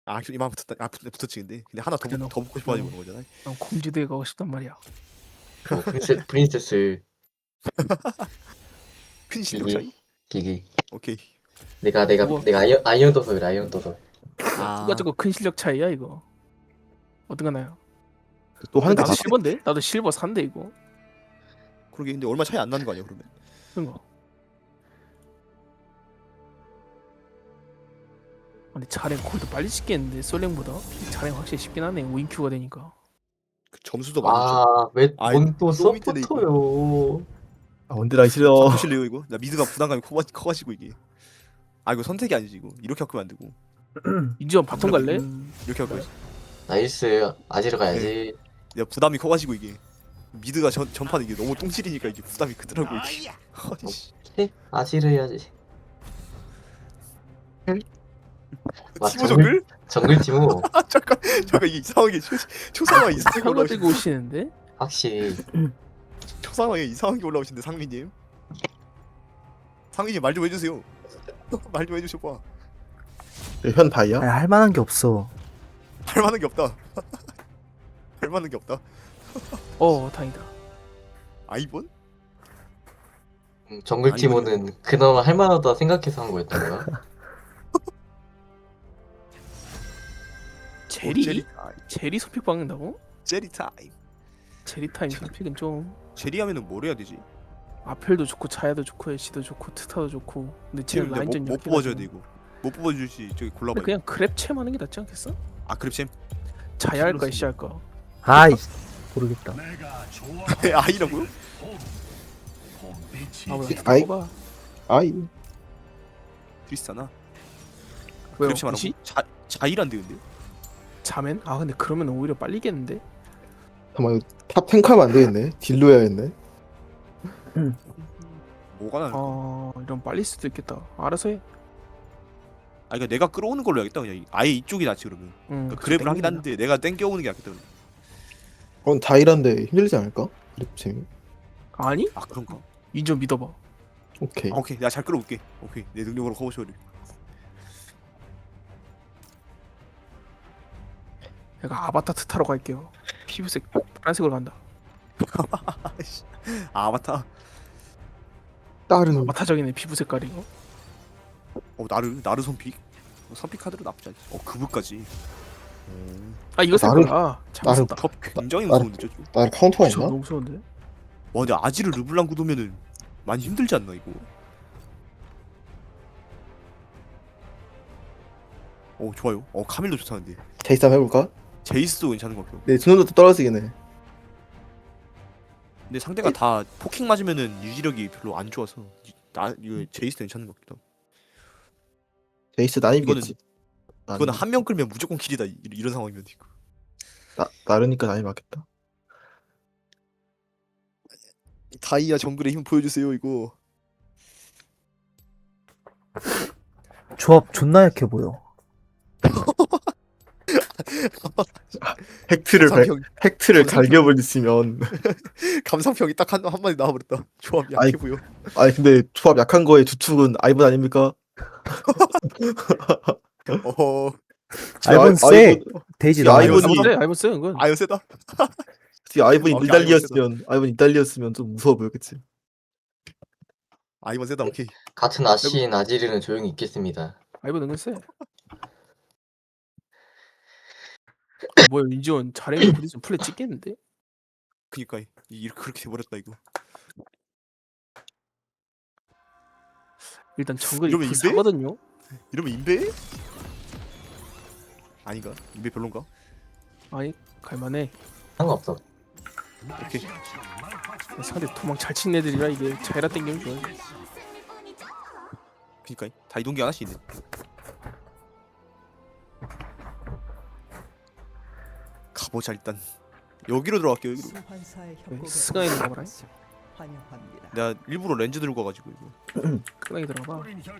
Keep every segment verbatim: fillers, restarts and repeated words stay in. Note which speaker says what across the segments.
Speaker 1: 아 이만 붙었다. 아 붙- 붙었지 근데. 근데 하나 더,
Speaker 2: 그래,
Speaker 1: 붙-
Speaker 2: 너-
Speaker 1: 더 붙고 싶어가지고
Speaker 2: 너-
Speaker 1: 그런 거잖아.
Speaker 2: 난 공주대에 가고 싶단 말이야.
Speaker 3: 뭐 프린세, 프린세스
Speaker 1: 큰 실력
Speaker 3: 기기
Speaker 1: 차이?
Speaker 3: 기기
Speaker 1: 오케이.
Speaker 3: 내가 내가
Speaker 2: 그거-
Speaker 3: 내가 아이언 아이언 도서 아이언 도서
Speaker 1: 아
Speaker 2: 누가 저거 큰 실력 차이야 이거. 어떡하나요?
Speaker 4: 또 하는 게
Speaker 2: 나도
Speaker 4: 다
Speaker 2: 실버인데? 나도 실버 산대 이거.
Speaker 1: 그러게 근데 얼마 차이 안 나는 거 아니야 그러면?
Speaker 2: 그런 거. 근데 자랭 거의 더 빨리 찍겠는데 솔랭보다. 자랭 확실히 쉽긴 하네. 오인큐가 되니까.
Speaker 1: 그 점수도 많았죠.
Speaker 3: 아왜
Speaker 1: 아이,
Speaker 3: 뭔또
Speaker 1: 너무 밑에네,
Speaker 3: 서포터요.
Speaker 4: 아, 원딜 싫어.
Speaker 1: 바꾸실래요 이거? 나 미드가 부담감이 커, 커가지고 이게. 아 이거 선택이 아니지 이거. 이렇게 바꾸면 안 되고.
Speaker 2: 인지원 바텀 갈래?
Speaker 1: 이렇게 바꿔야지.
Speaker 3: 나이스 아지르 가야지.
Speaker 1: 야 부담이 커가지고 이게. 미드가 전, 전판 이게 너무 똥칠이니까 이게 부담이 크더라고 이게. 아니 씨.
Speaker 3: 네, 아지르 해야지. 아,
Speaker 1: 티모
Speaker 3: 정글?
Speaker 1: 정글?
Speaker 3: 정글 티모
Speaker 1: 아 잠깐 잠깐 이게 이상하게 초, 초상화 이상하게
Speaker 2: 사과
Speaker 1: 올라오시
Speaker 2: 들고 오시는데?
Speaker 3: 확실히
Speaker 1: 초상화에 이상한 게 올라오시는데 상민님. 상민님 말 좀 해주세요. 말 좀 해주셔봐.
Speaker 4: 현 바이야?
Speaker 5: 아니, 할 만한 게 없어.
Speaker 1: 할 만한 게 없다. 할 만한 게 없다.
Speaker 2: 어 다행이다.
Speaker 1: 아이번?
Speaker 3: 음, 정글
Speaker 1: 아니,
Speaker 3: 티모는 그나마 할만하다 생각해서 한 거였던 거야.
Speaker 2: 제리?
Speaker 1: 제리 타임.
Speaker 2: 제리 선픽 박는다고?
Speaker 1: 제리 타임.
Speaker 2: 제리 타임 선픽은 좀
Speaker 1: 제리 하면은 뭘 해야 되지?
Speaker 2: 아펠도 좋고 차야도 좋고 애쉬도 좋고 트타도 좋고. 근데 쟤는
Speaker 1: 지금 내가
Speaker 2: 라인전
Speaker 1: 못, 못 뽑아줘야 돼 이거. 못 뽑아주지 저기 골라봐.
Speaker 2: 근데 그냥 그랩챔 하는 게 낫지 않겠어?
Speaker 1: 아 그랩챔?
Speaker 2: 자야 할까
Speaker 1: 필요없어.
Speaker 2: 애쉬 할까?
Speaker 5: 아이 모르겠다.
Speaker 1: 아이라고요?
Speaker 2: 아왜
Speaker 4: 아이.
Speaker 2: 뽑아?
Speaker 4: 아이.
Speaker 1: 트리스타나?
Speaker 2: 왜요?
Speaker 1: 그랩챔 안
Speaker 2: 애쉬?
Speaker 1: 하고? 자, 자이란데 근데?
Speaker 2: 자맨? 아 근데 그러면 오히려 빨리겠는데?
Speaker 4: 잠깐만 이거 탑 탱크하면 안 되겠네. 딜로 해야겠네.
Speaker 1: 뭐가 나는 거야?
Speaker 2: 어 이런 빨릴 수도 있겠다. 알아서 해.
Speaker 1: 아 그러니까 내가 끌어오는 걸로 해야겠다 그냥. 아예 이쪽이 낫지 그러면.
Speaker 2: 응,
Speaker 1: 그러니까
Speaker 2: 그치,
Speaker 1: 그랩을 하긴
Speaker 2: 땡기구나.
Speaker 1: 하는데 내가 땡겨오는 게 낫겠다 그러면.
Speaker 4: 그건 자이란데 힘들지 않을까? 그랩챔이.
Speaker 2: 아니?
Speaker 1: 아 그런가?
Speaker 2: 인정 믿어봐.
Speaker 4: 오케이.
Speaker 1: 아 오케이 내가 잘 끌어올게. 오케이 내 능력으로 커버쇼를.
Speaker 2: 내가 아바타 트타로 갈게요. 피부색 파란색으로 간다.
Speaker 1: 아이씨. 아 아바타.
Speaker 4: 다른
Speaker 2: 아바타적이네 피부 색깔이. 어?
Speaker 1: 어 나르 나르 선픽. 어, 선픽 카드로 나쁘지 않지. 어 그브까지.
Speaker 2: 아 이거
Speaker 4: 나를-
Speaker 2: 색깔아. 잘못했다.
Speaker 1: 컵 굉장히
Speaker 4: 나르-
Speaker 1: 무서운데 저쪽.
Speaker 4: 나를 카운터가
Speaker 2: 저
Speaker 4: 있나?
Speaker 2: 너무 무서운데?
Speaker 1: 와 근데 아지를 르블랑 구도면은 많이 힘들지 않나 이거? 어 좋아요. 어 카밀도 좋다는데.
Speaker 4: 제이스 한번 해볼까?
Speaker 1: 제이스도 괜찮은 것 같아요.
Speaker 4: 네, 준호도 떨어지긴 해.
Speaker 1: 근데 상대가 다 포킹 맞으면은 유지력이 별로 안 좋아서 이- 나 이거 제이스 괜찮은 것 같기도 하고.
Speaker 4: 제이스 나임이겠지.
Speaker 1: 이거는 한 명 끌면 무조건 킬이다 이- 이런 상황이면 이거.
Speaker 4: 나 나르니까 나임 맞겠다.
Speaker 1: 다이아 정글의 힘 보여주세요 이거.
Speaker 5: 조합 존나 약해 보여.
Speaker 4: 팩트를 발,
Speaker 1: 감상평
Speaker 4: 팩트를
Speaker 1: 감상평.
Speaker 4: 갈겨버리시면.
Speaker 1: 감상평이 딱 한 한 마디 나와버렸다. 조합이 약해
Speaker 4: 아이,
Speaker 1: 보여.
Speaker 4: 아니 근데 조합 약한 거에 주축은 아이본 아닙니까?
Speaker 1: 어
Speaker 5: 아이본
Speaker 4: 아이-
Speaker 5: 세.
Speaker 4: 아이본-
Speaker 5: 데이지
Speaker 4: 야,
Speaker 5: 나.
Speaker 4: 아이본이-
Speaker 2: 아이본 아이본 쎄 이건.
Speaker 1: 아유 세다.
Speaker 4: 혹시 아이본이
Speaker 1: 어,
Speaker 4: 밀달리였으면 아이본 이달리였으면 좀 무서워 보였겠지.
Speaker 1: 아이번 세다 오케이.
Speaker 3: 같은 아시인 아지르는 조용히 있겠습니다.
Speaker 2: 아이본 은근 쎄. 뭐야 인지원 자랭이 부딪히면 플레 찍겠는데?
Speaker 1: 그니까 이- 이렇게 그렇게 돼버렸다 이거.
Speaker 2: 일단 정글이
Speaker 1: 이러면 인베?
Speaker 2: 불사거든요.
Speaker 1: 이러면 인베? 아닌가? 인베 별론가?
Speaker 2: 아니 갈만해.
Speaker 3: 상관없어.
Speaker 1: 오케이.
Speaker 2: 상대 도망 잘 치는 애들이라 이게 자이라 땡기면 좋아.
Speaker 1: 그니까 다 이동기 하나씩 있네. 가보자 일단. 여기로 들어갈게요 여기로.
Speaker 2: 스가이 들어가라.
Speaker 1: 내가 일부러 렌즈 들고 와가지고 이거.
Speaker 2: 스가이 들어가봐.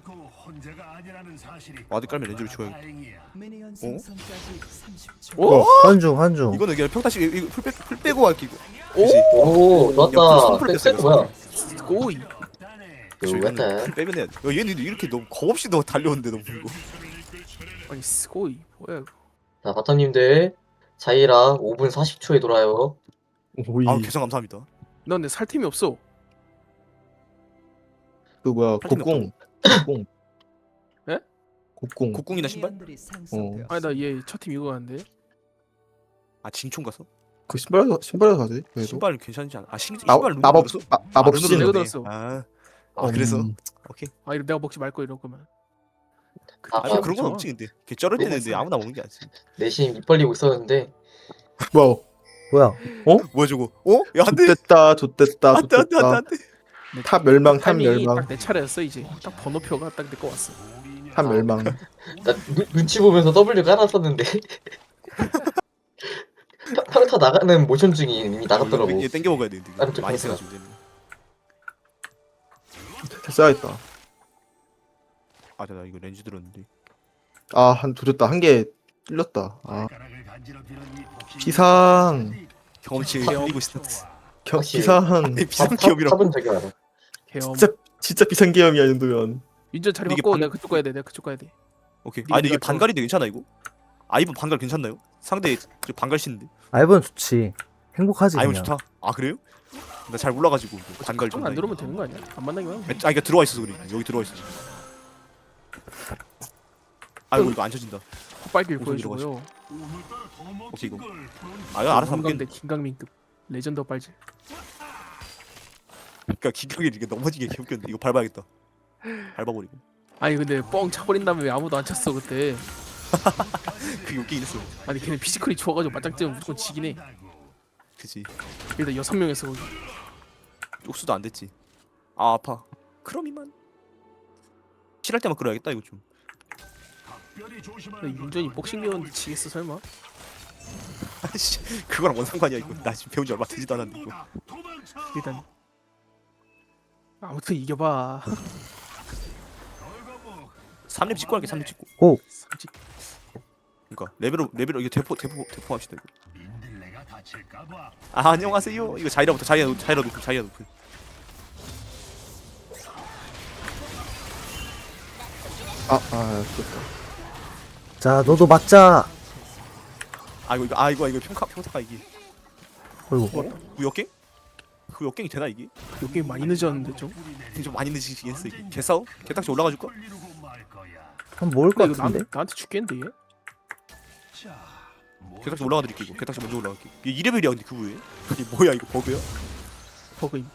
Speaker 1: 와드 깔면 렌즈를 줘야.
Speaker 2: 오?
Speaker 5: 어, 한중 한중.
Speaker 1: 이거는 그냥 평타씩 이거 풀, 빼, 풀 빼고 갈게 이거.
Speaker 3: 오
Speaker 1: 옆으로
Speaker 3: 좋았다.
Speaker 1: 선풀
Speaker 3: 백
Speaker 1: 됐어요,
Speaker 3: 세트 뭐야?
Speaker 2: 오이.
Speaker 1: 그쵸, 이거는
Speaker 3: 요같다.
Speaker 1: 풀 빼면 해야 돼. 야, 얘는 이렇게 너무 겁없이 너 달려오는데 너무 이거.
Speaker 2: 아니 스고이 뭐야 이거.
Speaker 3: 자 바텀님들 자이라 오 분 사십 초에 돌아요.
Speaker 4: 오이.
Speaker 1: 아 개성 감사합니다.
Speaker 2: 나 근데 살 템이 없어.
Speaker 4: 그 뭐야
Speaker 1: 할 팀이
Speaker 4: 곡궁. 곡궁.
Speaker 2: 예?
Speaker 4: 곡궁.
Speaker 1: 곡궁이나 신발?
Speaker 4: 어.
Speaker 2: 아니 나 얘 첫 팀 이거 가는데.
Speaker 1: 아 진총 가서?
Speaker 4: 그 신발 신발에서 사지. 그래도.
Speaker 1: 신발 괜찮지 않아? 아 신,
Speaker 4: 나,
Speaker 1: 신발 룬
Speaker 4: 마법
Speaker 1: 들었어?
Speaker 4: 마, 마법
Speaker 1: 아,
Speaker 4: 신.
Speaker 1: 룬으로
Speaker 2: 내가
Speaker 1: 넣네.
Speaker 2: 들었어.
Speaker 1: 아, 아 그래서?
Speaker 4: 음.
Speaker 1: 오케이.
Speaker 2: 아 이거 내가 먹지 말 거 이럴 거면.
Speaker 3: 아,
Speaker 1: 아
Speaker 3: 아,
Speaker 1: 그런 건 없지 근데. 걔 쩔을 때는 근데 아무나 먹는 게 아니지.
Speaker 3: 내심 입 벌리고 있었는데
Speaker 4: 뭐야?
Speaker 5: 뭐야?
Speaker 1: 뭐야 저거? 어? 야 안돼.
Speaker 4: 좋댔다 좋댔다
Speaker 1: 안돼 안돼 안돼
Speaker 4: 좋댔다.
Speaker 1: 안돼.
Speaker 4: 탑 멸망 탑
Speaker 2: 타이밍이
Speaker 4: 멸망
Speaker 2: 딱 내 차례였어 이제. 딱 번호표가 딱 내 거 왔어.
Speaker 4: 탑 멸망.
Speaker 3: 나 눈, 눈치 보면서 W 깔았었는데 평- 평타 나가는 모션 중이 이미 나갔더라고.
Speaker 1: 얘 땡겨 먹어야 돼.
Speaker 3: 아,
Speaker 1: 근데 많이
Speaker 3: 좋다.
Speaker 1: 세가지고 이제는.
Speaker 4: 됐어야겠다.
Speaker 1: 아, 나 이거 렌즈 들었는데.
Speaker 4: 아한 조졌다 한 개 찔렸다. 아 비상
Speaker 1: 경험치 흘리고 있어.
Speaker 4: 겨,
Speaker 3: 확실히.
Speaker 4: 비상.
Speaker 1: 비상
Speaker 3: 탑-
Speaker 1: 기업이라고.
Speaker 3: 탑은 저기 알아.
Speaker 2: 개엄.
Speaker 4: 진짜 진짜 비상 계엄이야 이 정도면.
Speaker 2: 윤전 자리
Speaker 1: 이게
Speaker 2: 바꿔.
Speaker 1: 방-
Speaker 2: 내가 그쪽 가야 돼. 내가 그쪽 가야 돼.
Speaker 1: 오케이.
Speaker 2: 네가
Speaker 1: 아 근데 이게
Speaker 2: 저-
Speaker 1: 반갈인데 괜찮아 이거? 아이브 반갈 괜찮나요? 상대 저 반갈 신데.
Speaker 5: 아이번 좋지. 행복하지
Speaker 1: 아이브
Speaker 5: 그냥.
Speaker 1: 좋다. 아 그래요? 나 잘 몰라가지고 반갈 좀.
Speaker 2: 안 들어오면 되는 거 아니야? 안 만나기만 하면.
Speaker 1: 아 이게 들어와 있어서 그래. 여기 들어와 있어. 아이고 이거 안 쳐진다.
Speaker 2: 콧발길
Speaker 1: 우선
Speaker 2: 보여주고요.
Speaker 1: 오케이 이거. 아 이거 알아서 하면
Speaker 2: 대
Speaker 1: 돼.
Speaker 2: 김강민급 레전더 빨질.
Speaker 1: 그러니까 기경이 이게 넘어지게 개웃겼는데 이거 밟아야겠다. 밟아버리고.
Speaker 2: 아니 근데 뻥 차버린 다음에 왜 아무도 안 찼어 그때.
Speaker 1: 그게 웃기긴 했어.
Speaker 2: 아니 걔네 피지컬이 좋아가지고 맞짱 뜨면 무조건 지긴 해.
Speaker 1: 그치.
Speaker 2: 일단 여섯 명에서 거기.
Speaker 1: 쪽수도 안 됐지. 아 아파. 크롬이만. 칠할 때만 끌어야겠다 이거 좀.
Speaker 2: 근데 윤전이 복싱 배웠는데 지겠어 설마?
Speaker 1: 아씨 그거랑 뭔 상관이야 이거. 나 지금 배운 지 얼마 되지도 않았는데 이거.
Speaker 2: 일단 아무튼 이겨봐.
Speaker 1: 삼 렙 찍고 할게 삼 렙 찍고.
Speaker 5: 고.
Speaker 2: 솔직히
Speaker 1: 그러니까 레벨업 레벨업 이거 대포 대포 대포 합시다 이거. 아 안녕하세요. 이거 자이라부터 자이라 자이라 높은 자이라 높은.
Speaker 4: 아아 좋다.
Speaker 5: 자 너도 맞자.
Speaker 1: 아 이거 이거 아 이거 이거 평가 평타가 이게.
Speaker 5: 어이구.
Speaker 1: 그 역갱? 그 역갱이 되나 이게?
Speaker 2: 요 게임 많이 늦었는데 좀.
Speaker 1: 좀 많이 늦으시긴 했어 이게. 개싸움? 개딱지 올라가 줄까?
Speaker 5: 한 먹을 것
Speaker 2: 근데 이거 나,
Speaker 5: 같은데.
Speaker 2: 나한테 죽겠는데 얘?
Speaker 1: 개딱지 올라가 드릴게 이거. 개딱지 먼저 올라갈게. 이게 이 레벨이야 근데 그 후에. 이게 뭐야 이거 버그야?
Speaker 2: 버그임.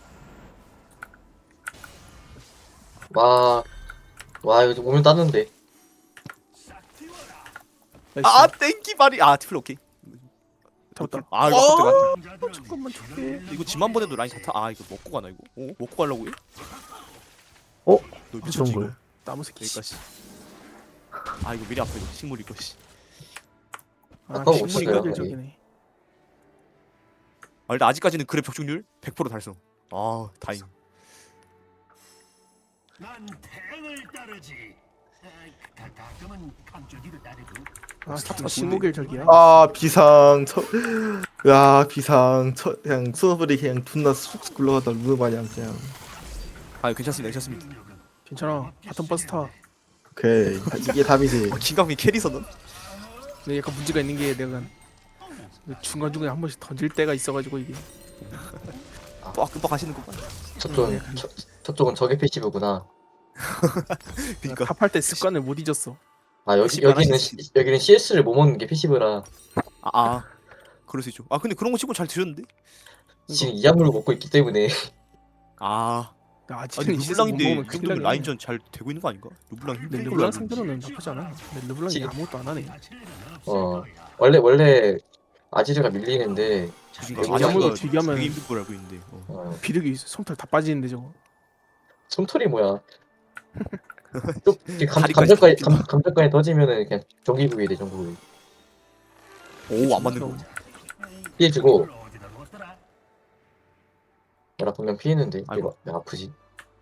Speaker 3: 와, 와 이거 오면 땄는데.
Speaker 2: 나이스.
Speaker 1: 아 땡기 말이 아 티플 오케이.
Speaker 2: 잡았다.
Speaker 1: 아 이거 갑자기 안
Speaker 2: 어, 잠깐만 줄게.
Speaker 1: 이거 집 한 번에도 라인 자타 아 이거 먹고 가나 이거? 어? 먹고 가려고 해?
Speaker 5: 어?
Speaker 1: 너 미쳤지
Speaker 5: 좋은
Speaker 1: 이거?
Speaker 5: 걸.
Speaker 2: 나무 새끼. 씨.
Speaker 1: 여기까지. 아 이거 미리 아파 이거 식물 이거 씨.
Speaker 2: 아
Speaker 3: 아까
Speaker 2: 식물이
Speaker 3: 없었어요,
Speaker 2: 끈질적이네.
Speaker 1: 아 일단 아직까지는 그래 벽충률 백 퍼센트 달성. 아 다행.
Speaker 6: 난 태양을 따르지. 가, 가끔은 강조기를 따르고.
Speaker 2: 아
Speaker 1: 스타트가
Speaker 2: 지금 식목일적이야.
Speaker 4: 아 비상 쳐. 야 비상 쳐 그냥 수업을이 그냥 존나 쑥쑥 굴러가다 루마냥 그냥.
Speaker 1: 아 괜찮습니다 괜찮습니다.
Speaker 2: 괜찮아. 바텀 버스 타.
Speaker 4: 오케이 다- 이게 답이지.
Speaker 1: 어, 김강민 캐리서는?
Speaker 2: 근데 약간 문제가 있는 게 내가 중간 중간에 한 번씩 던질 때가 있어가지고 이게.
Speaker 1: 또 끔뻑 하시는 거 봐.
Speaker 3: 저쪽은 저, 저쪽은 적의 패시브구나.
Speaker 1: 그니까
Speaker 2: 탑할 때 습관을 못 잊었어.
Speaker 3: 아 여기
Speaker 1: 패시브
Speaker 3: 여기는
Speaker 1: 하나씩
Speaker 3: 시, 여기는 씨에스를 못 먹는 게 패시브라
Speaker 1: 아, 아 그럴 수 있죠. 아 근데 그런 거 치고 잘 드셨는데?
Speaker 3: 지금 이 약물을 먹고 있기 때문에
Speaker 1: 아
Speaker 2: 나
Speaker 1: 아니
Speaker 2: 아직은 실수 못
Speaker 1: 르블랑인데
Speaker 2: 먹으면
Speaker 1: 이
Speaker 2: 큰일
Speaker 1: 정도면
Speaker 2: 나네.
Speaker 1: 라인전 잘 되고 있는 거 아닌가? 르블랑
Speaker 2: 근데
Speaker 1: 힘든 걸로
Speaker 2: 르블랑
Speaker 1: 알고 있는데.
Speaker 2: 상대로는 나쁘지 않아. 근데 르블랑이
Speaker 3: 지금-
Speaker 2: 아무것도 안 하네.
Speaker 3: 어 원래 원래 아지르가 밀리는데
Speaker 1: 그러니까
Speaker 3: 여기
Speaker 1: 아직도
Speaker 2: 아무도 되게 하면-
Speaker 1: 되게 힘든 걸 알고 있는데. 어.
Speaker 3: 어,
Speaker 2: 비력이 솜털 다 빠지는데 저거.
Speaker 3: 솜털이 뭐야? 또 이렇게 감,
Speaker 1: 다리까지
Speaker 3: 감정까지
Speaker 1: 다
Speaker 3: 감, 감정까지 터지면은 그냥 정기구이 돼 정기구이.
Speaker 1: 오안 맞는 거.
Speaker 3: 피해주고 내가 분명 피했는데
Speaker 1: 아이고.
Speaker 3: 이거 왜 아프지?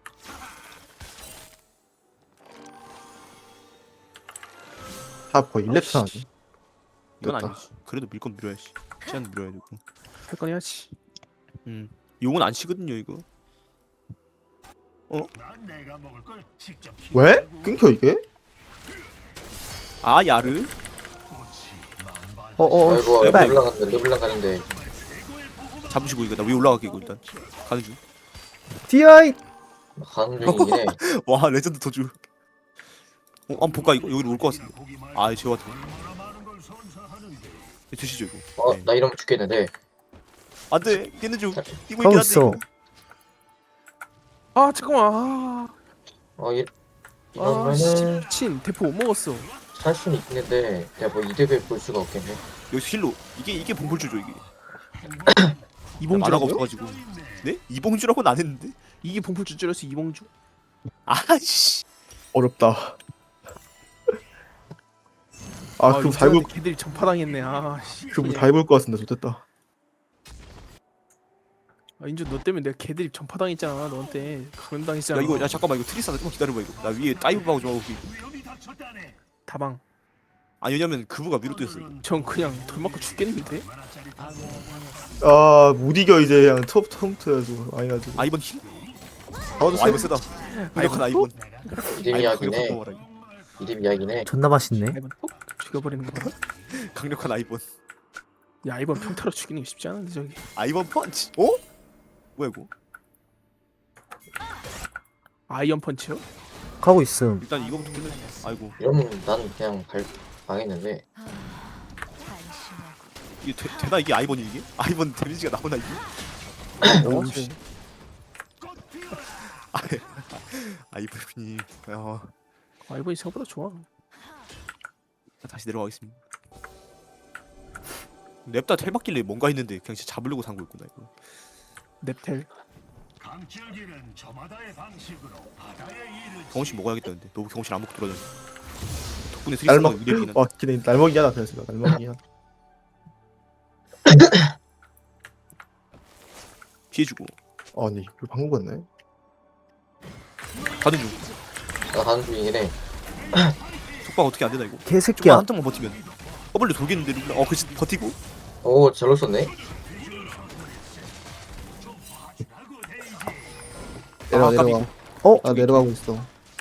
Speaker 4: 탑 거의 일 렙 차지.
Speaker 1: 이건
Speaker 4: 됐다.
Speaker 1: 아니지. 그래도 밀 건 밀어야지. 시간 밀어야 되고.
Speaker 2: 할 건 해야지.
Speaker 1: 음. 용은 안 치거든요 이거.
Speaker 6: 난 내가 먹을 걸 직접
Speaker 4: 왜? 끊겨 이게?
Speaker 1: 아 야르.
Speaker 5: 어어
Speaker 3: 아이고
Speaker 5: 씨발
Speaker 3: 르블랑 가는데 르블랑 가는데
Speaker 1: 잡으시고 이거 나 위에 올라갈게 이거 일단. 가는 중.
Speaker 5: 디아이
Speaker 3: 가는 중이긴 해.
Speaker 1: 와 레전드 도주. 어, 한번 볼까 이거 여기로 올 것 같은데. 아 제와 드시죠 이거.
Speaker 3: 어,
Speaker 1: 네.
Speaker 3: 나 이러면 죽겠는데.
Speaker 1: 안돼 깨는 중. 이거
Speaker 5: 하고
Speaker 1: 이게
Speaker 5: 있어.
Speaker 1: 안돼.
Speaker 2: 아 잠깐만. 아,
Speaker 3: 어, 이,
Speaker 2: 아 씨,
Speaker 3: 이러면은
Speaker 2: 미친 대포 못 먹었어.
Speaker 3: 살 수는 있는데 내가 뭐 이득을 볼 수가 없겠네.
Speaker 1: 여기서 힐로 이게 이게 봉골주죠 이게. 만화가
Speaker 2: 이봉주라고요?
Speaker 1: 없어가지고. 네? 이봉주라고는 안 했는데.
Speaker 2: 이게 봉풀주 줄여서 이봉주?
Speaker 1: 아씨.
Speaker 4: 어렵다. 아 그럼 다 입을
Speaker 2: 걔들이 전파당했네. 아 씨.
Speaker 4: 그럼 다 입을 것 같은데 좋겠다.
Speaker 2: 아, 인주 너 때문에 내가 걔들이 전파당했잖아. 너한테 감염당했잖아.
Speaker 1: 야 이거 야 잠깐만 이거 트리스하다 조금 기다려봐 이거. 나 위에 다이브 하고 좀 하고. 이거.
Speaker 2: 다방.
Speaker 1: 아 왜냐면 그부가 위로 뛰었어. 이거.
Speaker 2: 전 그냥 돌 맞고 죽겠는데.
Speaker 4: 아못 이겨 이제 그냥 톱 톱부터 해가지고 아니 가지고.
Speaker 1: 아 이번 힐.
Speaker 4: 나와주세요.
Speaker 1: 아이번 세다. 강력한 아이번.
Speaker 3: 이름
Speaker 1: 아이번
Speaker 3: 이야기네.
Speaker 1: 강력한 거라.
Speaker 3: 이름 이야기네.
Speaker 5: 존나 맛있네.
Speaker 2: 이번 톡 죽여버리는 거.
Speaker 1: 강력한 아이번.
Speaker 2: 야 이번 평타로 죽이는 게 쉽지 않은데 저기.
Speaker 1: 아이번 펀치. 어? 뭐야 이거?
Speaker 2: 아이언 펀치요?
Speaker 5: 가고 있음.
Speaker 1: 일단 이거부터 끝내. 아이고
Speaker 3: 이러면 난 그냥 갈, 망했는데.
Speaker 1: 이게 되, 되나 이게 아이번이 이게? 아이번 데미지가 나오나 이게?
Speaker 2: 어?
Speaker 1: 아, 아이번이. 어,
Speaker 2: 아이번이 생각보다 좋아.
Speaker 1: 다시 내려가겠습니다. 냅다 텔 받길래 뭔가 했는데 그냥 진짜 잡으려고 산 거였구나 이거.
Speaker 2: 넵텔.
Speaker 6: 강철기는 저마다의 방식으로 바다의 일을
Speaker 1: 경호씨 먹어야겠다는데 너 경호씨 안 먹고 돌아다녀. 덕분에
Speaker 4: 날먹
Speaker 1: 트리스가 위대하긴
Speaker 4: 와 기네 날먹이 하나 그래서 날먹이 하나.
Speaker 1: 피해주고
Speaker 4: 아니 이거 방금 같네.
Speaker 1: 가는 중.
Speaker 3: 나 가는 중이긴 해.
Speaker 1: 속박 어떻게 안 되나 이거? 조금만
Speaker 5: 개새끼야.
Speaker 1: 한 턴만 버티면 W 돌겠는데 룰라. 어 그치 버티고.
Speaker 3: 오, 잘로 썼네.
Speaker 4: 내려와
Speaker 1: 아,
Speaker 4: 내려와.
Speaker 5: 어?
Speaker 4: 아 내려가고 있어.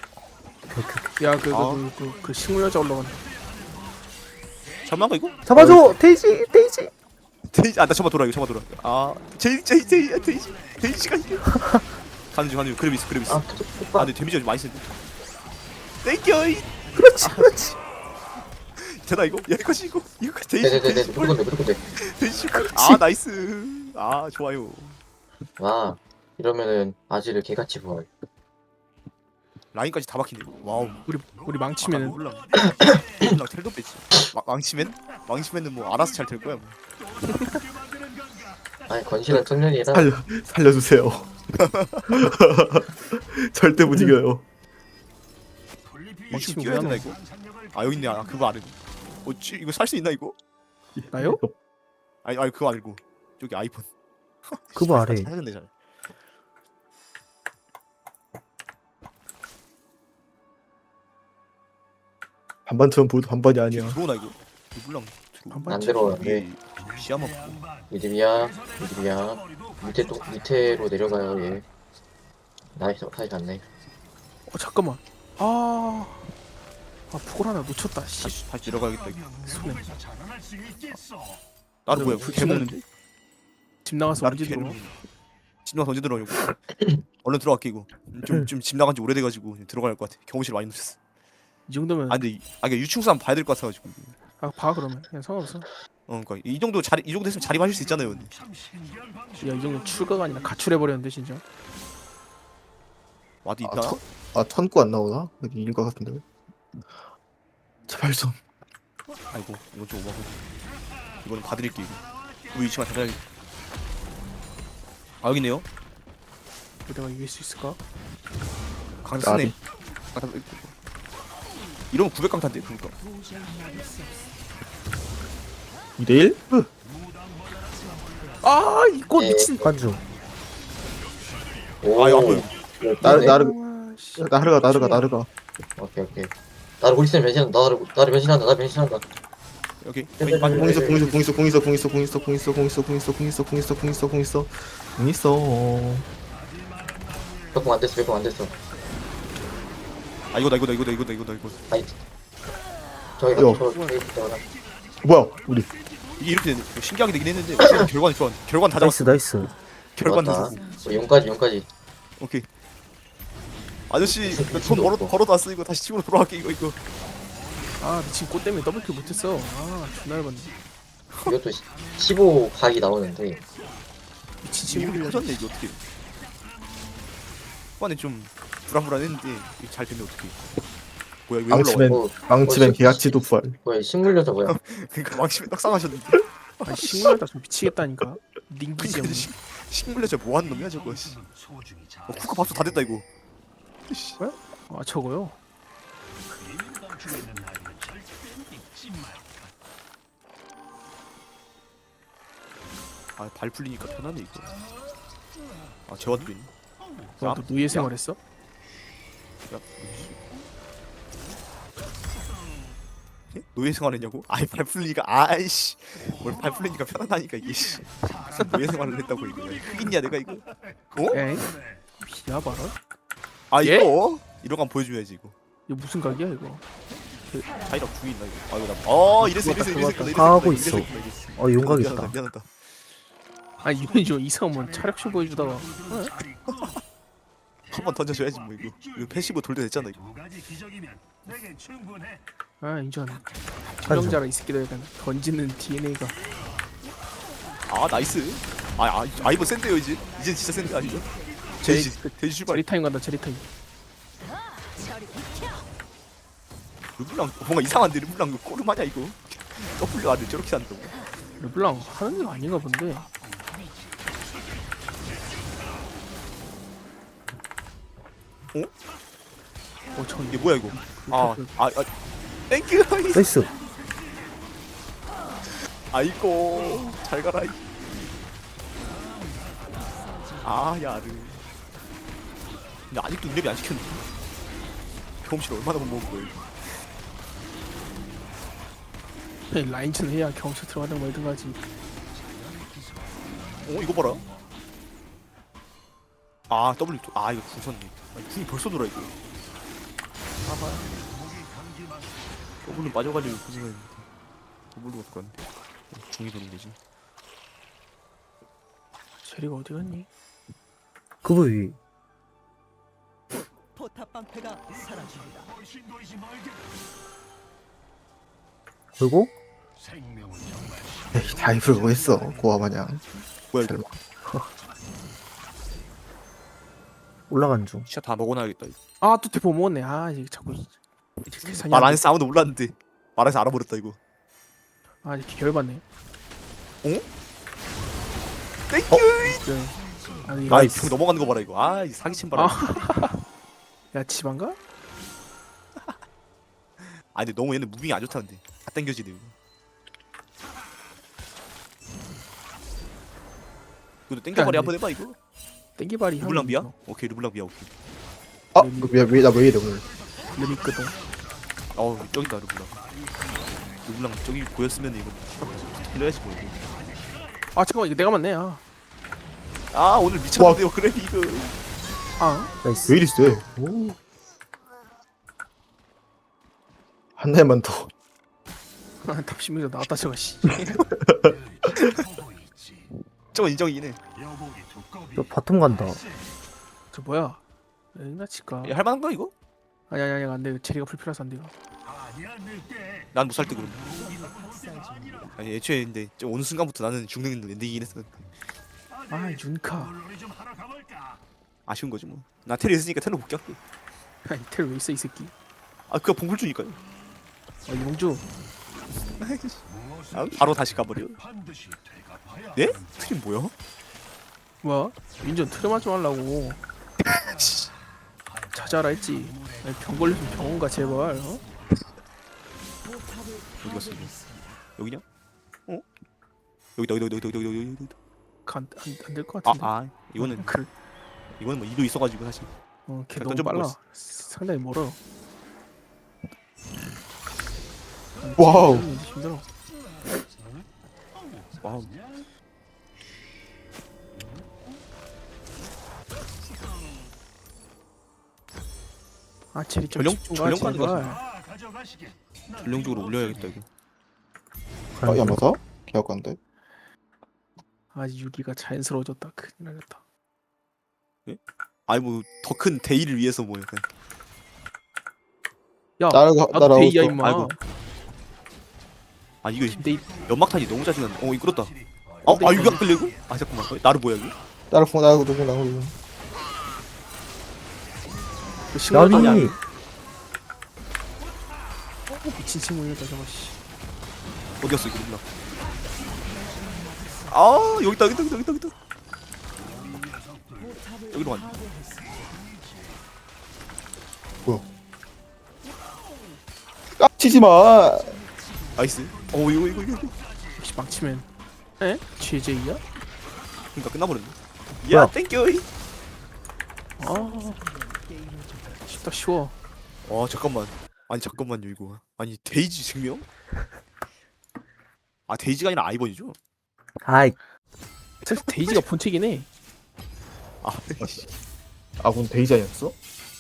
Speaker 2: 야그
Speaker 1: 아.
Speaker 2: 그, 그, 그, 그 식물 여자 올라간다.
Speaker 1: 잠깐만 이거?
Speaker 5: 잡아줘 데이지 데이지.
Speaker 1: 데이지 아나 잡아 돌아 이거 잡아 돌아. 아 제이 제이 제이 데이지 데이지가 이게. 가는 중 가는 중 그랩 있어 그랩 있어.
Speaker 3: 아,
Speaker 1: 아
Speaker 3: 오빠.
Speaker 1: 근데 데미지가 좀 많이 센데. 땡겨.
Speaker 5: 그렇지 그렇지.
Speaker 1: 되나 이거? 여기까지 이거 이거 데이지
Speaker 3: 네네네네.
Speaker 1: 데이지
Speaker 3: 무조건 돼, 무조건 돼.
Speaker 1: 데이지. 아 나이스. 아 좋아요.
Speaker 3: 와, 이러면은 아지를 개같이 부활.
Speaker 1: 라인까지 다 박히네. 와우.
Speaker 2: 우리 우리 망치면은
Speaker 1: 몰라. 몰라 텔도 뺐지. 마- 망치면 망치면은 뭐 알아서 잘 될 거야. 뭐.
Speaker 3: 아니, 건실한 청년이라.
Speaker 4: 살려 살려주세요. 절대 못 이겨요.
Speaker 1: 망치
Speaker 2: 망치면
Speaker 1: 뛰어야 되나
Speaker 2: 뭐야,
Speaker 1: 이거? 아 여기 있네. 아 그거 아는. 어 찌, 이거 살 수 있나 이거?
Speaker 2: 나요?
Speaker 1: 아니 아니 그거 아니고 저기 아이폰.
Speaker 5: 그거 아래.
Speaker 1: 잘했네 잘.
Speaker 4: 반반처럼 보여도 반반이 아니야.
Speaker 1: 들어오나 이거? 이거 몰라.
Speaker 3: 안 들어오는데.
Speaker 1: 시야만 보고.
Speaker 3: 미드비야, 미드비야. 밑에 또, 밑에로 내려가요, 얘. 나이스, 사이 갔네.
Speaker 2: 어 잠깐만. 아. 아 북을 하나 놓쳤다. 씨.
Speaker 1: 다시 다시 내려가야겠다 이거.
Speaker 2: 손에.
Speaker 6: 자라날 수 있겠어.
Speaker 1: 나도 뭐야?
Speaker 2: 그
Speaker 1: 개 먹는데?
Speaker 2: 집 나가서
Speaker 1: 나를
Speaker 2: 언제
Speaker 1: 개를
Speaker 2: 들어?
Speaker 1: 먹는. 집 나가서 언제 들어오냐고. 얼른 들어갈게 이거. 좀좀 집 나간 지 오래돼가지고 들어갈 것 같아. 경호실 많이 놓쳤어.
Speaker 2: 이 정도면
Speaker 1: 아 근데 이- 아 그러니까 유충수 한번 봐야 될 것 같아가지고.
Speaker 2: 아 봐 그러면 그냥 상관없어.
Speaker 1: 어 그러니까 이 정도 자리 이 정도 됐으면 자립하실 수 있잖아요. 근데.
Speaker 6: 참 신기한 방식.
Speaker 2: 야 이 정도 출가가 아니라 가출해 버렸는데 진짜.
Speaker 1: 와도
Speaker 4: 아,
Speaker 1: 있다.
Speaker 4: 천, 아 천구 안 나오나? 여기 이길 것 같은데. 제발 좀.
Speaker 1: 아이고 이건 좀 오버고. 이거는 봐드릴게 이거. 우리 위치만 찾아야. 아 여기네요.
Speaker 2: 내가 이길 수 있을까?
Speaker 1: 강타네.
Speaker 4: 나비.
Speaker 1: 강타. 이러면 구백 강타인데 그러니까.
Speaker 4: 이 대 일?
Speaker 2: 아 이거
Speaker 3: 네.
Speaker 2: 미친.
Speaker 5: 관중.
Speaker 3: 오,
Speaker 1: 아 이거 안 보여.
Speaker 4: 나르 나르
Speaker 2: 아, 씨.
Speaker 4: 나르가 나르가 나르가.
Speaker 3: 오케이, 오케이. 나를 우리 쌤 변신한다. 나를, 나를 변신한다. 나 변신한다.
Speaker 1: 여기.
Speaker 3: 네, 네,
Speaker 1: 빠져.
Speaker 3: 네,
Speaker 4: 공 있어 공 있어 공 있어 공 있어 공 있어 공 있어 공 있어 공 있어 공 있어 공 있어 공 있어 공 있어 공 있어 공 있어.
Speaker 3: 몇공 안 됐어, 몇공 안 됐어.
Speaker 1: 아 이거다 이거다 이거다 이거다 이거다 이거.
Speaker 3: 아이, 저기
Speaker 4: 야.
Speaker 3: 저 저기 있다가
Speaker 4: 뭐야 우리
Speaker 1: 이게 이렇게 되네. 신기하게 되긴 했는데 어쨌든 결과는 좋아. 결과는 다
Speaker 5: 나이스
Speaker 1: 잡았어.
Speaker 5: 나이스.
Speaker 1: 결과는 다
Speaker 3: 좋았다.
Speaker 1: 잡았어.
Speaker 3: 우리 용까지 용까지.
Speaker 1: 오케이. 아저씨
Speaker 3: 무슨
Speaker 1: 돈
Speaker 3: 미친도
Speaker 1: 벌어
Speaker 3: 없고.
Speaker 1: 벌어도 왔어 이거 다시 집으로 돌아갈게 이거 이거.
Speaker 2: 아 미친 꽃 때문에 더블킬 못했어. 아 존나 얇았네.
Speaker 3: 이것도 시- 십오 각이 나오는데
Speaker 2: 미친
Speaker 1: 이거
Speaker 2: 친구들.
Speaker 1: 터졌네 이거 어떻게? 초반에 좀 불안불안했는데 이거 잘 되면 어떻게? 뭐야 이거 왜
Speaker 4: 망치맨
Speaker 1: 올라와?
Speaker 3: 어
Speaker 4: 망치맨
Speaker 3: 어,
Speaker 4: 계약치도 부활.
Speaker 3: 뭐야 식물여서 뭐야?
Speaker 1: 그러니까 망치맨 떡상하셨는데.
Speaker 2: 아 식물하다 좀 미치겠다니까. 링기지
Speaker 1: 근데
Speaker 2: 형.
Speaker 1: 식- 식물레 저 뭐하는 놈이야 저거. 씨.
Speaker 6: 소중히 잘
Speaker 1: 어, 쿠카 밥솥 다 됐다 이거. 씨.
Speaker 2: 아 저거요.
Speaker 6: 감추고 있는 나이는 절대 잊지 말.
Speaker 1: 아 발 풀리니까 편하네 이거. 아 재활도 있네.
Speaker 2: 너, 너 노예 생활했어?
Speaker 1: 야, 예? 노예 생활했냐고? 아이 발 풀리니까 아이씨 뭘 발 풀리니까 편하다니까 이게 씨. 무슨 노예 생활을 했다고 이거 흑인이야 내가 이거? 어?
Speaker 2: 에이 비야 봐라.
Speaker 1: 아
Speaker 2: 예?
Speaker 1: 이거 이런 거 한번 보여줘야지 이거.
Speaker 2: 이거 무슨 각이야 이거?
Speaker 1: 자이랑 구이 있나 이거? 아 이거 나. 어 이래서 이래서 이래서 이래서 이래서
Speaker 5: 하고
Speaker 1: 이래서
Speaker 5: 있어.
Speaker 1: 이래서 이래서.
Speaker 5: 어 용각
Speaker 1: 미안하다
Speaker 5: 있다.
Speaker 1: 미안하다.
Speaker 2: 아 이건 저 이상한 차력쇼 보여주다가
Speaker 1: 한 번 던져줘야지 뭐 이거. 이거 패시브 돌려 됐잖아 이거.
Speaker 6: 두 가지 기적이면 내겐 충분해.
Speaker 2: 아 인정. 투명자라 이 새끼들 약간 던지는 디엔에이가
Speaker 1: 아 나이스. 아, 아, 아 이번 센데요 이제. 이제 진짜 센데 아니죠? 돼지 돼지 출발.
Speaker 2: 제리 타임 간다 제리 타임.
Speaker 1: 르블랑 뭔가 이상한데 르블랑 이거 꼬르마냐 이거. W 아들 저렇게 한다고.
Speaker 2: 르블랑 하는 거 아닌가 본데. 어, 저
Speaker 1: 이게 뭐야 이거? 아, 아, 아, 땡큐.
Speaker 5: 나이스.
Speaker 1: 아이고, 잘 가라. 이. 아, 야르. 근데 아직도 인랩이 안 시켰네. 경험실 얼마나 못 먹은 거야? 이거.
Speaker 2: 라인전 해야 경찰 들어가든 말든 가지.
Speaker 1: 어, 이거 봐라. 아, W. 또- 아, 이거 궁 썼네. 아, 궁이 벌써 돌아 이거. 아하. W는 빠져가지고 고생했는데. W가 어떡한데? 궁이 도는 되지.
Speaker 2: 제리가 어디 갔니?
Speaker 5: 그거 위.
Speaker 7: 포탑 방패가 사라집니다.
Speaker 6: 훨씬 더 이지 말게.
Speaker 5: 그리고
Speaker 6: 생명은 정말
Speaker 4: 에이 다이브를 뭐 했어 고아 마냥.
Speaker 1: 뭐야 이거?
Speaker 5: 올라간 중.
Speaker 1: 진짜 다 먹어놔야겠다. 이거.
Speaker 2: 아또 대포 먹었네. 아 이게 자꾸 계산이
Speaker 1: 말
Speaker 2: 안
Speaker 1: 안
Speaker 2: 돼.
Speaker 1: 했어 아무도 몰랐는데 말해서 알아버렸다 이거.
Speaker 2: 아 이렇게 열받네.
Speaker 1: 땡큐.
Speaker 2: 네. 아니
Speaker 1: 아이 병 넘어가는 거 봐라 이거. 아, 이 사기친 바람. 아.
Speaker 2: 야 집안가?
Speaker 1: 아 근데 너무 얘는 무빙이 안 좋다는데. 다 땡겨지네 이거. 이거 땡겨발이
Speaker 2: 안
Speaker 1: 한번 해봐 이거.
Speaker 2: 땡기발이
Speaker 1: 르블랑 비야? 오케이 르블랑 비야 오케이.
Speaker 4: 아왜나왜 이래 오늘.
Speaker 2: 르미거든.
Speaker 1: 어우 저기다 르블랑. 르블랑 저기 보였으면 이거 틀려야지 뭐 이거.
Speaker 2: 아 잠깐만 이거 내가 맞네. 아,
Speaker 1: 아 오늘 미쳤는데요 그래 이거.
Speaker 2: 아
Speaker 5: 나이스.
Speaker 4: 왜 이리 세? 오. 한 대만 더.
Speaker 2: 답심에서 나왔다 저거 씨.
Speaker 6: 보고 있지.
Speaker 1: 저거 인정이긴 해.
Speaker 6: 여복이 두꺼비.
Speaker 5: 저 바텀 간다.
Speaker 2: 저 뭐야? 에나 치까.
Speaker 1: 야, 할만한가 이거?
Speaker 2: 아니 아니 아니 안돼. 제리가 불필요해서 안 돼요.
Speaker 6: 아니야 늑대.
Speaker 1: 난 못 살 때 그럼. 아니 애초에 근데 좀 어느 순간부터 나는 죽는 엔딩이긴 했어.
Speaker 2: 아 윤카.
Speaker 6: 물놀이 좀 하러 가볼까?
Speaker 1: 아쉬운 거지 뭐. 나 테리 있으니까 테러 복귀할게.
Speaker 2: 아니 텔 왜 있어 이 새끼.
Speaker 1: 아 그거 봉불 주니까요.
Speaker 2: 아 용주.
Speaker 1: 아, 바로 다시 가버려.
Speaker 6: 반드시 되갚아야.
Speaker 1: 네? 트림 뭐야?
Speaker 2: 뭐야? 민전 트름 좀 하려고. 찾아라 했지. 아니, 병 걸리면 병원 가 제발. 어?
Speaker 1: 어디 갔어 이거? 여기냐? 어? 여기다 여기다 여기다 여기다 여기다 여기다.
Speaker 2: 안안될 것
Speaker 1: 아,
Speaker 2: 같은데.
Speaker 1: 아 이거는
Speaker 2: 그
Speaker 1: 이거는 뭐 이도 있어가지고 사실.
Speaker 2: 어, 걔
Speaker 1: 그냥
Speaker 2: 너무
Speaker 1: 던져보고
Speaker 2: 빨라.
Speaker 1: 있어.
Speaker 2: 상당히 멀어.
Speaker 4: 와우.
Speaker 2: 힘들어.
Speaker 1: 와우.
Speaker 2: 아 제리 좀
Speaker 1: 전령-
Speaker 2: 집중 가
Speaker 1: 전령 가는
Speaker 2: 제발.
Speaker 6: 아 가져가시게.
Speaker 1: 전령적으로 올려야겠다 이거.
Speaker 4: 아 야마사? 개학관데.
Speaker 2: 아 유기가 자연스러워졌다. 큰일 나겠다.
Speaker 1: 아니 뭐 더 큰 대의를 위해서 뭐 약간.
Speaker 2: 야
Speaker 4: 나라가
Speaker 2: 나도
Speaker 4: 나라고.
Speaker 2: 데이야 임마.
Speaker 1: 아이고. 아 이거
Speaker 2: 데이
Speaker 1: 연막탄이 너무 짜증난다. 어 이거 끌었다. 어, 아 이거 안 끌리고? 아 잠깐만. 어, 나를 뭐야 이거?
Speaker 4: 나를 보 나고 누구 나고 누구.
Speaker 2: 그 신고탄이
Speaker 5: 나비.
Speaker 2: 아니 미친 친구이다 저거 씨.
Speaker 1: 어디였어 이거 누나? 아 여기 있다 여기 있다 여기 있다 여기 있다. 여기로 갔네.
Speaker 4: 깝치지 마.
Speaker 1: 나이스. 어 이거 이거 이거. 이거.
Speaker 2: 역시 망치면 에? 제제이야?
Speaker 1: 그러니까 끝나버렸네.
Speaker 5: 뭐야?
Speaker 1: 야 땡큐.
Speaker 2: 아 쉽다 쉬워.
Speaker 1: 와 잠깐만. 아니 잠깐만요 이거. 아니 데이지 증명? 아 데이지가 아니라 아이번이죠?
Speaker 5: 아이,
Speaker 2: 사실 데이지가 본체긴 해.
Speaker 1: 아,
Speaker 4: 아군 데이자였어?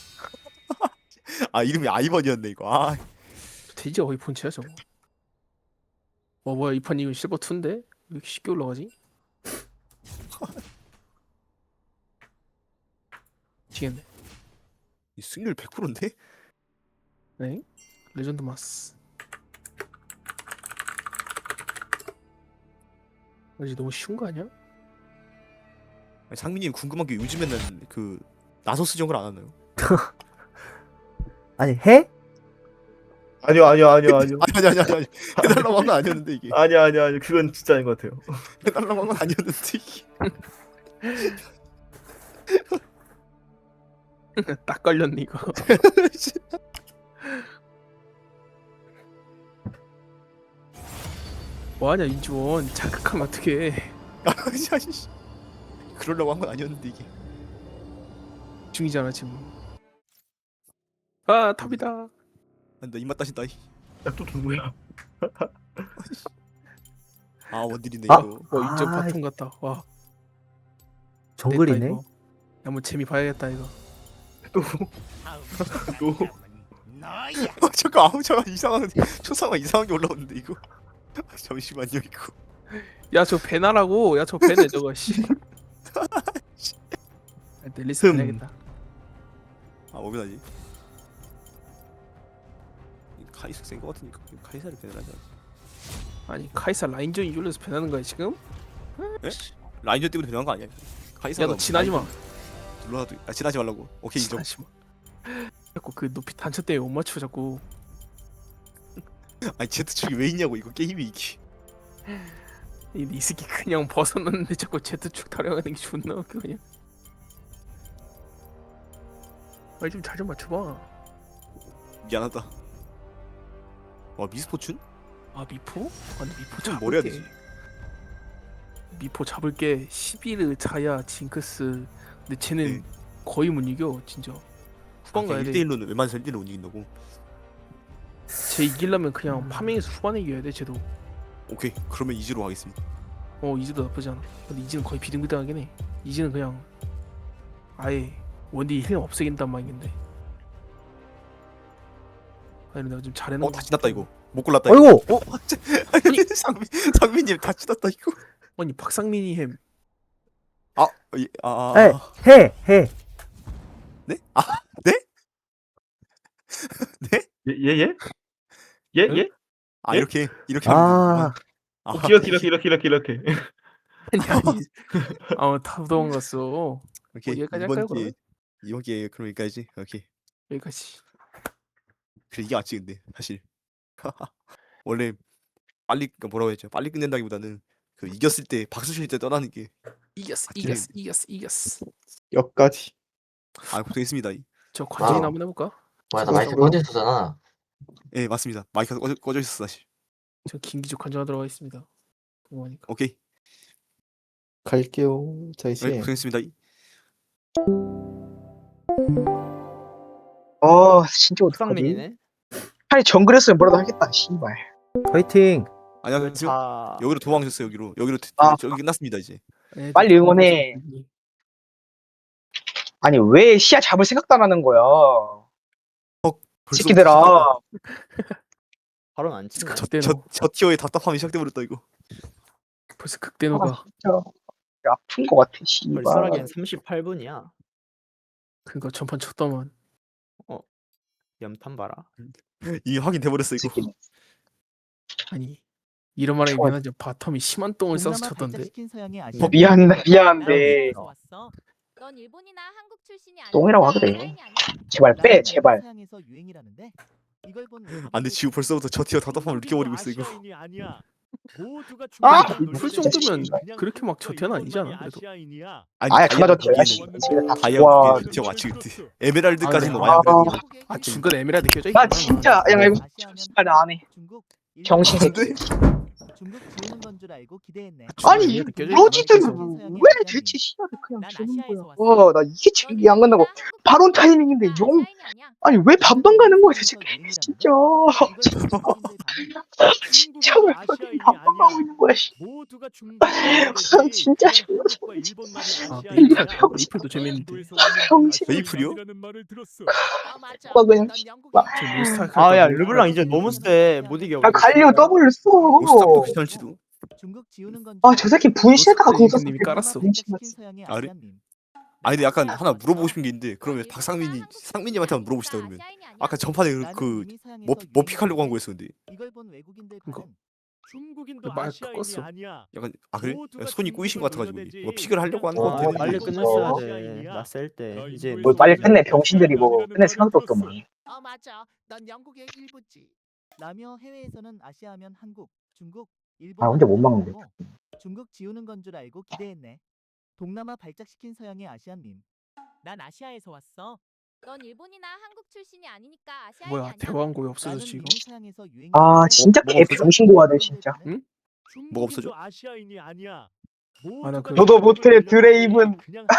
Speaker 1: 아 이름이 아이번이었네 이거. 아
Speaker 2: 데이지가 거의 본체야 저거. 와 뭐야 이 판 이거 실버 이인데? 왜 이렇게 쉽게 올라가지? 미치겠네.
Speaker 1: 이 승률 백 퍼센트인데?
Speaker 2: 네? 레전드 마스. 이제 너무 쉬운 거 아니야?
Speaker 1: 아니, 상민님 궁금한 게 요즘에는 그 나소스 정글 안 하나요?
Speaker 5: 아니 해?
Speaker 4: 아니요 아니요 아니요 아니요.
Speaker 1: 아니 아니 아니 아니 해달라고 한 건 아니었는데 이게
Speaker 4: 아니요 아니요 아니요. 그건 진짜 아닌 것 같아요.
Speaker 1: 해달라고 한 건 아니었는데 이게
Speaker 2: 딱 걸렸네 이거. 뭐하냐 인지원 자극하면 어떡해.
Speaker 1: 아니 아니 씨. 그러려고 한 건 아니었는데 이게
Speaker 2: 중이잖아 지금. 아 탑이다.
Speaker 1: 나 입맛 따신다.
Speaker 4: 야또 누구야?
Speaker 1: 아 원딜이네
Speaker 5: 아.
Speaker 1: 이거.
Speaker 2: 와 인정
Speaker 5: 아,
Speaker 2: 바통 같다. 와
Speaker 5: 정글이네.
Speaker 2: 됐다, 이거. 야, 한번 재미 봐야겠다 이거.
Speaker 4: 또
Speaker 6: 너야.
Speaker 1: 아, 잠깐 아우 잠깐 이상한 초상화 이상하게 올라오는데 이거 잠시만요 이거
Speaker 2: 야 저 배나라고. 야 저 배네 저거 씨. 넬리스
Speaker 4: 흠.
Speaker 2: 배야겠다.
Speaker 1: 아 오면 하지 카이사 센거 같으니까 카이사를 배달하자.
Speaker 2: 아니 카이사 라인전 이줄에서 배나는 거야 지금?
Speaker 1: 에? 라인전 때문에 배달한 거 아니야? 카이사가
Speaker 2: 야 너 지나지 마.
Speaker 1: 눌러도 아 지나지 말라고. 오케이 인정.
Speaker 2: 지나지 마. 자꾸 그 높이 단차 때문에 못 맞춰 자꾸.
Speaker 1: 아니 제트축이 왜 있냐고 이거 게임이 이게.
Speaker 2: 이 니스키 그냥 벗어났는데 자꾸 제트축 타령하는 게 존나 웃겨 그냥. 말 좀 잘 좀 맞춰봐.
Speaker 1: 미안하다. 와 미스포춘?
Speaker 2: 아 미포? 아 근데 미포
Speaker 1: 좀 뭘 해야
Speaker 2: 잡을게.
Speaker 1: 되지?
Speaker 2: 미포 잡을게. 시비르, 자야, 징크스. 근데 쟤는
Speaker 1: 네.
Speaker 2: 거의 못 이겨 진짜. 후반 가야
Speaker 1: 일
Speaker 2: 돼.
Speaker 1: 대일로는 웬만해서 일 대일로 못 이긴다고.
Speaker 2: 쟤 이기려면 그냥 파밍에서 후반에 이겨야 돼 쟤도.
Speaker 1: 오케이 그러면 이지로 하겠습니다.
Speaker 2: 어 이즈도 나쁘지 않아. 근데 이즈는 거의 비등비등하긴 해. 이즈는 그냥 아예 원딜 힐 없애긴단 말인데. 아니 내가 좀 잘해놓은
Speaker 1: 어 다 지났다 이거. 못 골랐다. 이거.
Speaker 5: 어이구.
Speaker 1: 어 아니 상민 상민님 다 지났다 이거.
Speaker 2: 아니 박상민이 햄.
Speaker 1: 아, 이, 아,
Speaker 5: 에, 해, 해.
Speaker 1: 네? 아, 네? 네?
Speaker 4: 예예 예? 예 예?
Speaker 1: 아
Speaker 4: 예?
Speaker 1: 이렇게 이렇게 하면
Speaker 5: 아,
Speaker 1: 되는구만. 아,
Speaker 4: 어, 이렇게 이렇게 이렇게 이렇게 이렇게.
Speaker 2: 아니 아니. 아다 도망갔어.
Speaker 1: 오케이
Speaker 2: 뭐 여기까지
Speaker 1: 이번
Speaker 2: 할까요,
Speaker 1: 기회 이번 기회 그럼 여기까지. 오케이.
Speaker 2: 여기까지.
Speaker 1: 그래 이게 맞지 근데 사실 원래 빨리 그러니까 뭐라고 했죠? 빨리 끝낸다기보다는 그 이겼을 때 박수 칠 때 떠나는 게.
Speaker 2: 이겼어
Speaker 1: 맞지?
Speaker 2: 이겼어 이겼어 이겼어.
Speaker 4: 여기까지.
Speaker 1: 아 고생했습니다.
Speaker 2: 저 관전이나
Speaker 3: 아.
Speaker 2: 한번 해볼까?
Speaker 3: 뭐야 나 마이크 꺼져 있었잖아.
Speaker 1: 예 네, 맞습니다. 마이크가 꺼져, 꺼져 있었어 사실.
Speaker 2: 저 김기적 관전하도록 하겠습니다. 궁금하니까.
Speaker 1: 오케이.
Speaker 4: 갈게요. 자
Speaker 1: 네,
Speaker 4: 이제.
Speaker 1: 고생했습니다.
Speaker 8: 어 진짜 어떡하지?
Speaker 9: 수상민이네.
Speaker 8: 차라리 정글했으면 뭐라도 하겠다 씨발.
Speaker 5: 화이팅.
Speaker 1: 안녕하세요.
Speaker 9: 자,
Speaker 1: 여기로 도망가셨어요 여기로. 여기로
Speaker 8: 아.
Speaker 1: 저기 끝났습니다 이제.
Speaker 2: 네,
Speaker 8: 빨리 응원해. 아니 왜 시야 잡을 생각도 안 하는 거야
Speaker 1: 벌써
Speaker 8: 새끼들아.
Speaker 9: 발언 안 치네.
Speaker 2: 저 때는
Speaker 1: 저, 저 티어의 답답함이 시작돼버렸다 이거.
Speaker 2: 벌써 극대노가
Speaker 8: 아, 진짜 아픈 거 같아 씨발.
Speaker 9: 벌써라기엔 삼십팔 분이야.
Speaker 2: 그니까 전판 쳤다만.
Speaker 9: 연탄 봐라.
Speaker 1: 이게 확인돼버렸어 이거.
Speaker 8: 새끼는.
Speaker 2: 아니 이런 말하기
Speaker 8: 좋아.
Speaker 2: 미안하지 바텀이 심한 똥을 싸서
Speaker 7: 동남아
Speaker 2: 쳤던데.
Speaker 7: 발작시킨 서양의
Speaker 8: 어,
Speaker 7: 아시아
Speaker 8: 미안해 미안한데
Speaker 7: 남아에서 왔어.
Speaker 10: 넌 일본이나 한국 출신이 아니야.
Speaker 8: 똥이라고 하더래. 제발 빼 제발.
Speaker 7: 서양에서 유행이라는데 이걸 본
Speaker 1: 아 근데 지우 벌써부터 저 티어 답답함을 느껴버리고 있어 이거.
Speaker 8: 아!
Speaker 2: 풀 정도면 그렇게 막 저태는 아니잖아. 그래도.
Speaker 1: 아니
Speaker 8: 아야 존나
Speaker 1: 다이아
Speaker 8: 좋대. 야씨
Speaker 1: 거기에는
Speaker 8: 지금 다
Speaker 1: 다이아
Speaker 8: 와.
Speaker 1: 거기에는 저거 맞지 그때. 에메랄드까지는
Speaker 2: 아,
Speaker 1: 와야 그래도.
Speaker 2: 아 중간 에메랄드 껴져
Speaker 8: 나
Speaker 2: 있구나.
Speaker 8: 진짜 야 이거 씨발 나안 해.
Speaker 7: 중국,
Speaker 8: 정신
Speaker 7: 일본,
Speaker 8: 새끼.
Speaker 7: 중국 지우는 건 줄 알고 기대했네.
Speaker 8: 아니
Speaker 2: 에메랄드 껴져
Speaker 8: 로지들
Speaker 2: 있구나.
Speaker 8: 왜 대체 씨발을 그냥
Speaker 7: 난
Speaker 8: 주는
Speaker 7: 아시아에서
Speaker 8: 거야.
Speaker 7: 왔어.
Speaker 8: 와나 이게 제일 이해 안 간다고. 바론 타이밍인데 용 아니 왜 반반 가는 거야 대체 진짜. 진짜 왜 그렇게 반반하고 있는 거야 씨.
Speaker 6: 모두가
Speaker 8: 난 진짜 존나
Speaker 2: 아
Speaker 8: 이거
Speaker 2: 메이플
Speaker 8: 병-
Speaker 2: 메이플도 재밌는데.
Speaker 8: 병신.
Speaker 1: 메이플이요?
Speaker 8: 막 그냥
Speaker 2: 저 몬스타크
Speaker 9: 아야 르블랑 이제 너무 세. 못 이겨.
Speaker 8: 아 갈리오 W 써.
Speaker 1: 모스탑도 귀찮을지도.
Speaker 7: 중국 지우는 건
Speaker 8: 아 저 새끼 분신에다가 그거 썼어.
Speaker 2: 님이 깔았어.
Speaker 1: 아, 그래? 아니 근데 약간 하나 물어보고 싶은 게 있는데 그러면 박상민이 상민님한테 한번 물어보시다 그러면. 아까 전판에 그, 그 뭐, 뭐 픽하려고 한 거였어 근데.
Speaker 7: 이걸 본 외국인들
Speaker 2: 그거.
Speaker 7: 반응.
Speaker 6: 중국인도
Speaker 2: 말
Speaker 6: 아시아인이
Speaker 2: 꺾었어.
Speaker 6: 아니야.
Speaker 1: 약간 아 그래?
Speaker 6: 모두가
Speaker 1: 손이 꼬이신 것 같아가지고
Speaker 6: 중국인을
Speaker 1: 뭐 픽을 하려고 하는
Speaker 8: 어,
Speaker 1: 것 같아.
Speaker 9: 빨리
Speaker 8: 이거.
Speaker 9: 끝냈어야 돼. 나 셀 때. 이제
Speaker 8: 뭘 빨리 끝내 병신들이고 끝낼 생각도 없더만.
Speaker 7: 아 맞아. 난 영국의 일부지. 라며 해외에서는 아시아하면 한국, 중국, 일본.
Speaker 8: 아, 혼자 못 막는데.
Speaker 7: 중국 지우는 건 줄 알고 기대했네. 동남아 발작시킨 서양의 아시안 밈. 난 아시아에서 왔어.
Speaker 10: 넌 일본이나 한국 출신이 아니니까 아시아인이
Speaker 2: 뭐야
Speaker 10: 아니야.
Speaker 2: 대왕고에 없어졌지 이거.
Speaker 8: 아 진짜 개 병신고하들 진짜.
Speaker 2: 응?
Speaker 1: 뭐가 없어져?
Speaker 6: 아시아인이 아니야.
Speaker 2: 아, 나 그-
Speaker 8: 너도 못해, 드레이븐.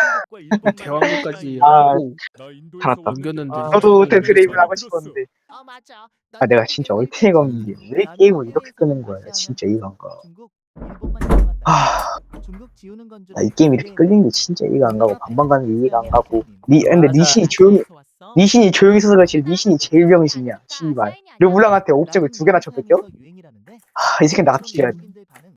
Speaker 2: 대왕고까지
Speaker 8: 아,
Speaker 2: 하고
Speaker 8: 알았다.
Speaker 2: 넘겼는데.
Speaker 9: 아,
Speaker 8: 저도 못해 드레이븐 하고 싶었는데.
Speaker 7: 아 맞아.
Speaker 8: 아 내가 진짜 얼탱이가 없는 게 왜 게임을 이렇게 끄는 거야. 진짜 이해가 안 가. 아,
Speaker 7: 중국 지우는 건 줄
Speaker 8: 나 이 게임 이렇게 끌리는 게 진짜 이해가 안 가고 반반 가는 게 이해가 안 가고. 니 근데 니신이 조용히 니신이 조용히 있어서 그렇지 니신이 제일 병신이야. 씨발. 르블랑한테 옵적을 두 개나 쳐 뺏겨? 아, 이 새끼 나 같은 게